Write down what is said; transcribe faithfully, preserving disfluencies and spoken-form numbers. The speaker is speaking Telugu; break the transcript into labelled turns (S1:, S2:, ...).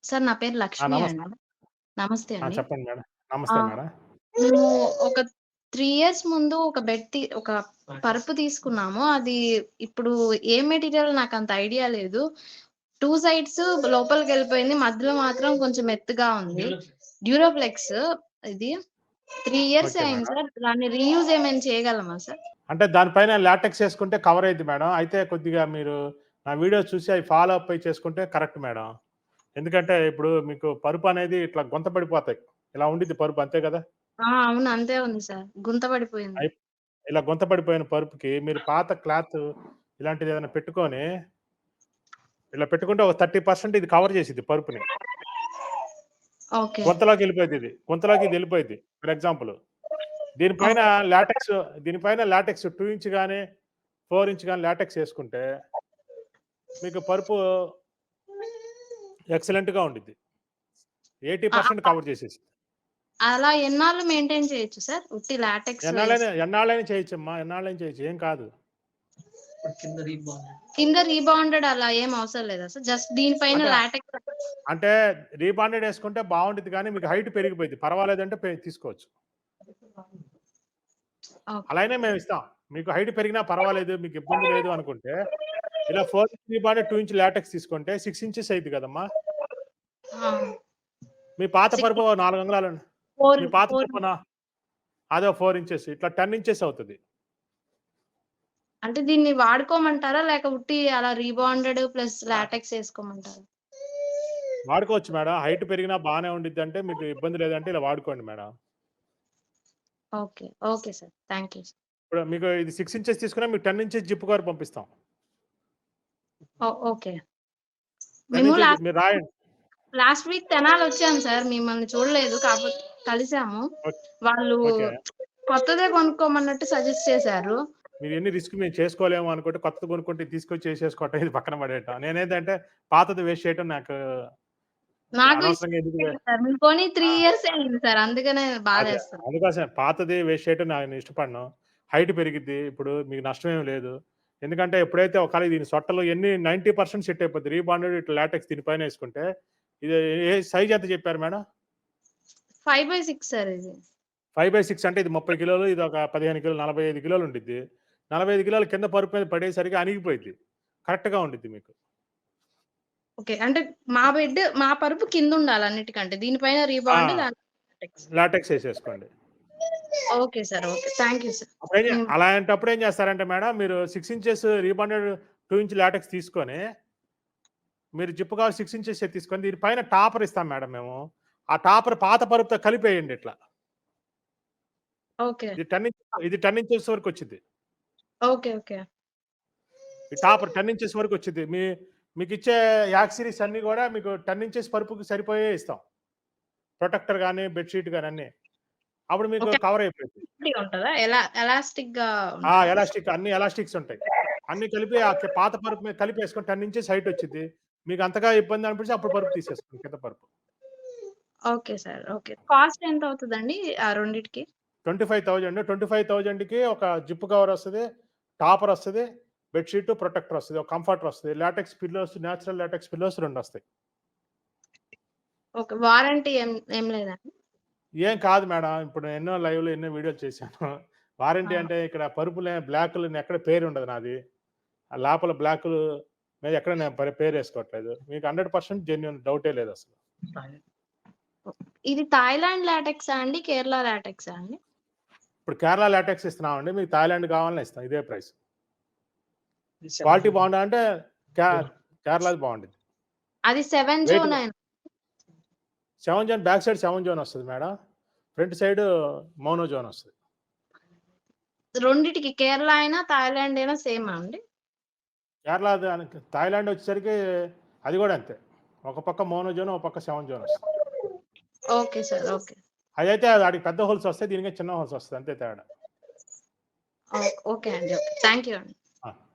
S1: సార్ నా పేరు
S2: ఆ!
S1: లక్ష్మి
S2: నమస్తే.
S1: అండి. నమస్తే
S2: ఆ!
S1: అండి.
S2: చెప్పండి మేడం.
S1: ఆ!
S2: నమస్తే మేడం.
S1: మేము ఒక త్రీ ఇయర్స్ ముందు ఒక బెడ్ తి ఒక పరుపు తీసుకున్నాము. అది ఇప్పుడు ఏ మెటీరియల్ నాకంత ఐడియా లేదు. టూ సైడ్స్ లోపలికెళ్ళిపోయింది. మధ్యలో మాత్రం కొంచెం మెత్తగా ఉంది. డ్యూరోఫ్లెక్స్ ఇది. త్రీ ఇయర్సే
S2: ఓకే
S1: అయింది
S2: మేడం.
S1: సార్. దాన్ని రీయూజ్ ఏమైనా చేయగలమా సార్?
S2: అంటే దాని పైన లాటెక్స్ ఏసుకుంటే కవర్ అయిద్ది మేడం. అయితే కొద్దిగా మీరు నా వీడియోస్ చూసి అవి ఫాలో అప్ అయి చేసుకుంటే కరెక్ట్ మేడం. ఎందుకంటే ఇప్పుడు మీకు పరుపనేది ఇట్లా గుంత పడిపోతాయి. ఇలా ఉండిద్ది పరుపు అంతే గదా!
S1: ఆ! అవును. అంతే ఉంది సార్. గుంత పడిపోయింది.
S2: అయి ఇలా గుంత పడిపోయిన పరుపుకి మీరు పాత క్లాత్ ఇలాంటిదేదైనా పెట్టుకొని ఇలా పెట్టుకుంటే ఒక థర్టీ పర్సెంట్ ఇది కవర్ చేసిద్ది పరుపుని.
S1: ఓకే.
S2: గుంతలోకెళ్ళిపోయిద్దిది. గుంతలోకి ఇదెళ్ళిపోయిద్ది. For example. దీనిపైన
S1: ఓకే.
S2: లాటెక్స్ దీనిపైన లాటెక్స్ టూ ఇంచ్ గాని, ఫోర్ ఇంచ్ గాని లాటెక్స్ ఏసుకుంటే మీకు పరుపు ఎక్సలెంట్‌గా ఉండిద్ది. ఎయిటీ
S1: ఆ!
S2: పర్సెంట్
S1: ఆ!
S2: కవర్ చేసేసిద్ది.
S1: అలా ఎన్నాళ్ళు మెయింటైన్ చేయొచ్చు సార్? ఉట్టి లాటెక్స్
S2: ఎన్నాళ్ళైనా
S1: వేసి
S2: ఎన్నాళ్ళైనా చేయొచ్చమ్మా. ఎన్నాళ్ళైనా చేయొచ్చు. ఏం కాదు.
S1: కింద రీబౌండెడ్ అలా ఏం అవసరం లేదా సార్? జస్ట్ దీనిపైన
S2: అంటే,
S1: లాటెక్స్
S2: అంటే రీబాండెడ్ ఏసుకుంటే బావుండిద్ది గానీ మీకు హైట్ పెరిగిపోయిద్ది. పర్వాలేదంటే పె తీసుకోవచ్చు.
S1: ఓకే.
S2: అలా అయినా మేమిస్తాం. మీకు హైట్ పెరిగినా పర్వాలేదు. మీకు ఇబ్బంది లేదు అనుకుంటే, ఇలా four inch rebonded two inch latex తీసుకుంటే సిక్స్ ఇంచెస్ అయిద్ది కదమ్మా!
S1: ఆ!
S2: మీ పాత
S1: సిక్స్
S2: పరుపు ఓ నాలుగు అంగుళాలు
S1: ఫోర్
S2: మీ పాత
S1: ఫోర్
S2: పరుపున అదో ఫోర్ ఇంచెస్ ఇట్లా టెన్ ఇంచెస్ అవుతది.
S1: అంటే దీన్ని వాడుకోమంటారా? లేక ఉట్టి అలా రీబాండెడ్ ప్లస్ లాటెక్స్ ఏసుకోమంటారా?
S2: వాడుకోవచ్చు మేడం. హైట్ పెరిగినా బానే ఉండిద్దంటే మీకు ఇబ్బంది లేదంటే ఇలా వాడుకోండి madam.
S1: Okay. Okay sir. Thank you.
S2: ఇప్పుడు మీకు ఇది సిక్స్ ఇంచెస్ తీసుకున్నా మీకు టెన్ ఇంచెస్ జిప్ కవర్ పంపిస్తాం.
S1: Oh okay.
S2: టెన్
S1: మేము
S2: ఇంచెస్
S1: లాస్ట్
S2: మీరు రాయండి.
S1: లాస్ట్ వీక్ తెనాలొచ్చాం సార్. మిమ్మల్ని చూడలేదు. కాపోతే కలిసాము.
S2: ఓక్
S1: వాళ్ళు
S2: ఓకే.
S1: కొత్తదే కొనుక్కోమన్నట్టు సజెస్ట్ చేశారు.
S2: మీరు ఎన్ని రిస్క్ మేము చేసుకోలేము అనుకుంటే కొత్తది కొనుక్కుంటే తీసుకొచ్చి చేసేసుకోవటం ఇది పక్కన పడేయటం. నేనేందంటే పాతది వేస్ట్ చేయటం నాకు
S1: నాకు
S2: అనవసరంగా ఎందుకు
S1: ఇష్టం
S2: వే
S1: లేదు సార్. మేము కొని త్రీ
S2: ఆ!
S1: ఇయర్సే అయింది సార్. అందుకనే
S2: అదే.
S1: బాధేస్తుంది.
S2: అందుకోసమే పాతది వేస్ట్ చేయటం నేను ఇష్టపడను. హైట్ పెరిగిద్ది. ఇప్పుడు మీకు నష్టమేమి లేదు. ఎందుకంటే ఎప్పుడైతే ఒకవేళ దీని సొట్టలు ఎన్ని తొంభై పర్సెంట్ సెట్ అయిపోద్ది. రీబాండెడ్ ఇట్లా లాటెక్స్ దీని పైనేసుకుంటే ఇది ఏ సైజ్ ఎంత చెప్పారు madam?
S1: Five by six sir ఇది.
S2: ఫైవ్ బై సిక్స్ అంటే ఇది ముప్పై కిలోలు, ఇదొక పదిహేను కిలోలు, నలభై ఐదు కిలోలు ఉండిద్ది. నలభై ఐదు కిలోలు కింద పరుపు మీద పడేసరికి అణిగిపోయిద్ది. కరెక్ట్‌గా ఉండిద్ది మీకు.
S1: ఓకే. అంటే మా బెడ్ మా పరుపు కిందుండాలి అన్నిటికంటే. దీనిపైన
S2: ఆ!
S1: Rebond latex.
S2: లాటెక్స్ ఏసేసుకోండి.
S1: Okay sir. Okay. Thank you sir.
S2: అప్పుడేం జే
S1: మేము
S2: అలాంటప్పుడు ఏం చేస్తారంటే మేడం మీరు six inches rebonded two inch latex తీసుకొని, మీరు జిప్ కవర్ సిక్స్ ఇంచెసే తీసుకొని దీని పైన టాపర్ ఇస్తాం మేడం మేము. ఆ టాపర్ పాత పరుపుతో కలిపేయండి ఇట్లా.
S1: ఓకే.
S2: ఇది టెన్ ఇంచ్ ఇది టెన్ ఇంచెస్ వరకొచ్చిద్ది.
S1: ఓకే. ఓకే.
S2: ఈ టాపర్ టెన్ ఇంచెస్ వరకొచ్చిద్ది. మీ మీకిచ్చే యాక్సెసరీస్ అన్నీ గూడా మీకు టెన్ ఇంచెస్ పరుపుకి సరిపోయేయే ఇస్తాం. ప్రొటెక్టర్ గాని, బెడ్ షీట్ గాని అన్నీ. అప్పుడు మీకు
S1: ఓకే.
S2: కవర్ అయిపోయిద్ది.
S1: ఎలాస్టిక్‌గా ఉంటదా? ఎలా ఎలాస్టిక్‌గా
S2: ఆ!
S1: ఉంటదా?
S2: ఎలాస్టిక్ అన్ని ఎలాస్టిక్స్ ఉంటాయి. అన్నీ కలిపి ఆ కి పాత పరుపు మీద కలిపేసుకొని టెన్ ఇంచెస్ హైట్ వచ్చిద్ది. మీకు అంతగా ఇబ్బంది అనిపిస్తే అప్పుడు పరుపు తీసేసుకోండి కింద పరుపు.
S1: Okay sir. ఓకే. కాస్ట్ ఎంత అవుతదండి ఆ రెండిటికి?
S2: ఇరవై ఐదు వేలు ఇరవై ఐదు వేలకి ఒక జిప్ కవర్ వస్తది. టాపర్ వస్తది. బెడ్ షీట్, ప్రొటెక్టర్ వస్తది. ఒక కంఫర్టర్ వస్తది. Latex pillows natural latex pillows రెండు వస్తాయి.
S1: ఓకే. వారంటీ ఏం ఏం లేదా?
S2: ఏం కాదు మేడం. ఇప్పుడు ఎన్నో లైవ్‌లో ఎన్నో వీడియోలు చేశాను. వారంటీ
S1: ఆ!
S2: అంటే ఇక్కడ పరుపులే బ్లాకులు ఎక్కడ పేరుండదు నాది. ఆ లోపల బ్లాకులు మీద ఎక్కడ నేను పే పేరేసుకోవట్లేదు. మీకు వంద పర్సెంట్ జెన్యూన్ డౌటే లేదసలు.
S1: ఇది థాయిలాండ్ లాటెక్సా అండి? కేరళ లాటెక్సా అండి?
S2: ఇప్పుడు కేరళ లాటెక్స్ ఇస్తున్నామండి. మీకు థాయిలాండ్ కావాలన్నా ఇస్తాం. ఇదే ప్రైస్. క్వాలిటీ బావుందా అంటే కే కేరళది బావుండిద్ది.
S1: అది సెవెన్
S2: వెయిట్
S1: జోనేనా?
S2: Seven zone back side seven zone వస్తది madam. Front side mono zone వస్తది.
S1: రెండిటికి కేరళ అయినా, థాయిలాండ్ అయినా సేమా అండి?
S2: కేరళ దానికి థాయిలాండ్ వచ్చేసరికి అది గూడా అంతే. ఒక పక్క మోనో జోన్, ఒక పక్క సెవెన్ జోన్ వస్తది.
S1: Okay sir. ఓకే.
S2: అదైతే ఆడికి పెద్ద హోల్స్ వస్తాయి. దీనికి చిన్న హోల్స్ వస్తది. అంతే తేడా.
S1: ఓ ఓకే అండి. ఓకే. థాంక్ యూ అండి.
S2: ఆ!